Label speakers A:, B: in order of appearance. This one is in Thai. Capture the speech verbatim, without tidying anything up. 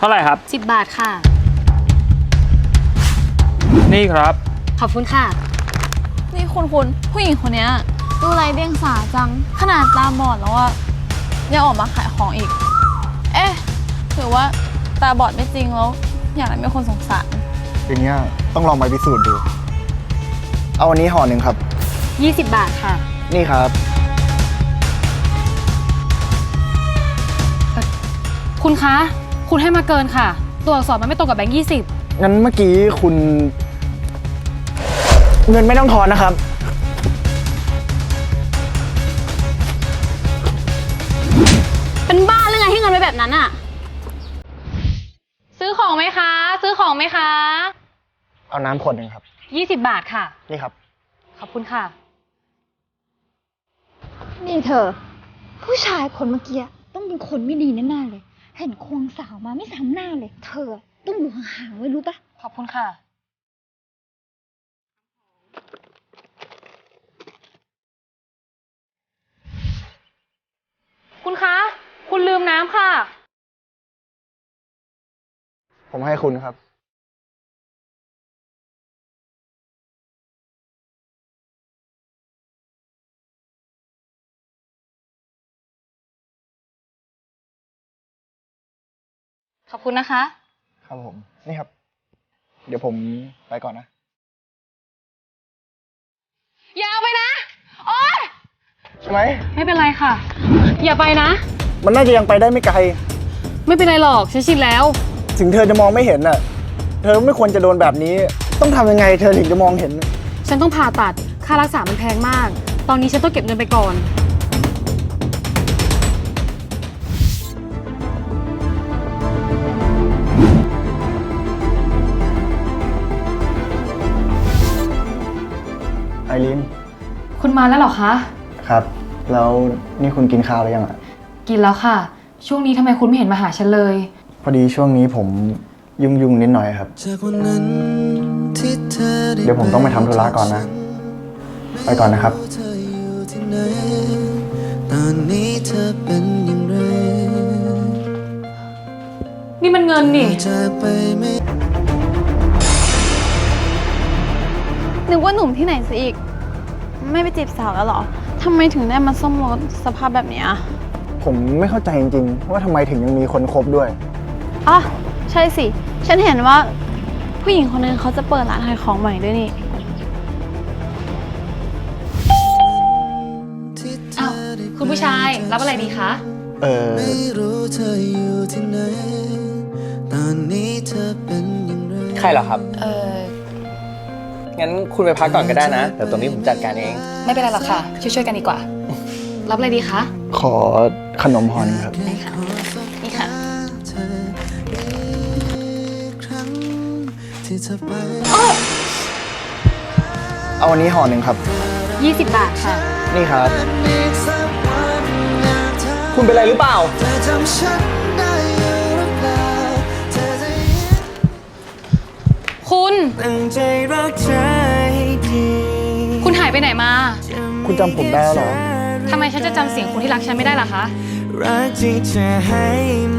A: ท่าไหร่ครับ
B: สิบบาทค่ะ
A: นี่ครับ
B: ขอบคุณค่ะ
C: นี่คุณคุณผู้หญิงคนนี้ดูไรเดียงสาจังขนาดตาบอดแล้วอะยังออกมาขายของอีกเอ๊ะหรือว่าตาบอดไม่จริงแล้วอย่างนั้นไม่คนสงสาร
D: อย่างเงี้ยต้องลองไปพิสูจน์ดูเอาอันนี้ห่อหนึ่งครับ
B: ยี่สิบบาทค่ะ
D: นี่ครับ
B: คุณคะคุณให้มาเกินค่ะตัวอักษรมันไม่ตรงกับแบงค์ยี่สิบ
D: งั้นเมื่อกี้คุณเงินไม่ต้องทอนนะครับ
B: เป็นบ้าหรือไงให้เงินไปแบบนั้นอะ
E: ซื้อของไหมคะซื้อของไหมคะ
D: เอาน้ำขวดหนึ่งครับ
B: ยี่สิบบาทค่ะ
D: นี่ครับ
B: ขอบคุณค่ะ
F: นี่เธอผู้ชายคนเมื่อกี้ต้องเป็นคนไม่ดีแน่ๆเลยเห็นควงสาวมาไม่ซ้ำหน้าเลยเธอต้องอยู่ห่างๆไว้รู้ปะ
B: ขอบคุณค่ะ
E: คุณคะคุณลืมน้ำค่ะ
D: ผมให้คุณครับ
B: ขอบคุณนะคะ
D: ครับผมนี่ครับเดี๋ยวผมไปก่อนนะ
E: อย่าไปนะโอ๊ย
D: ใช่ไหม
B: ไม่เป็นไรค่ะอย่าไปนะ
D: มันน่าจะยังไปได้ไม่ไกล
B: ไม่เป็นไรหรอกฉันชินแล้ว
D: ถึงเธอจะมองไม่เห็นน่ะเธอไม่ควรจะโดนแบบนี้ต้องทำยังไงเธอถึงจะมองเห็น
B: ฉันต้องผ่าตัดค่ารักษามันแพงมากตอนนี้ฉันต้องเก็บเงินไปก่อน
D: ไอริน
B: คุณมาแล้วเหรอคะ
D: ครับแล้วนี่คุณกินข้าวหรือยังอ่ะ
B: กินแล้วค่ะช่วงนี้ทำไมคุณไม่เห็นมาหาฉันเลย
D: พอดีช่วงนี้ผมยุ่งยุ่งนิดหน่อยครับเดี๋ยวผมต้องไปทำธุระก่อนนะไปก่อนนะครับ
B: นี่มันเงินนี่
C: นึกว่าหนุ่มที่ไหนซะอีกไม่ไปจีบสาวแล้วเหรอทำไมถึงได้มาซ่อมรถสภาพแบบนี้
D: ผมไม่เข้าใจจริงๆว่าทำไมถึงยังมีคนคบด้วย
C: อ๋อใช่สิฉันเห็นว่าผู้หญิงคนนึงเขาจะเปิดร้านขายของใหม่ด้วยนี่
B: อ้าวคุณผู้ชายรับอะไรดีคะ
D: เออ
A: ใครเหรอครับ
B: เออ
A: งั้นคุณไปพักก่อนก็ได้นะเดี๋ยวตรงนี้ผมจัดการเอง
B: ไม่เป็นไรหรอกค่ะช่วยๆกันดีกว่ารับอะไรดีคะ
D: ขอขนมห่อนึงครับ
B: ได้ค่ะนี่ค่ะ
D: เอาอันนี้ห่อหนึ่งครับ
B: ยี่สิบบาทค่ะ
D: นี่ครับ
A: คุณเป็นอะไรหรือเปล่า
B: คุณคุณหายไปไหนมา
D: คุณจำผมได้แล้วเหรอ
B: ทำไมฉันจะจำเสียงคนที่รักฉันไม่ได้ล่ะคะ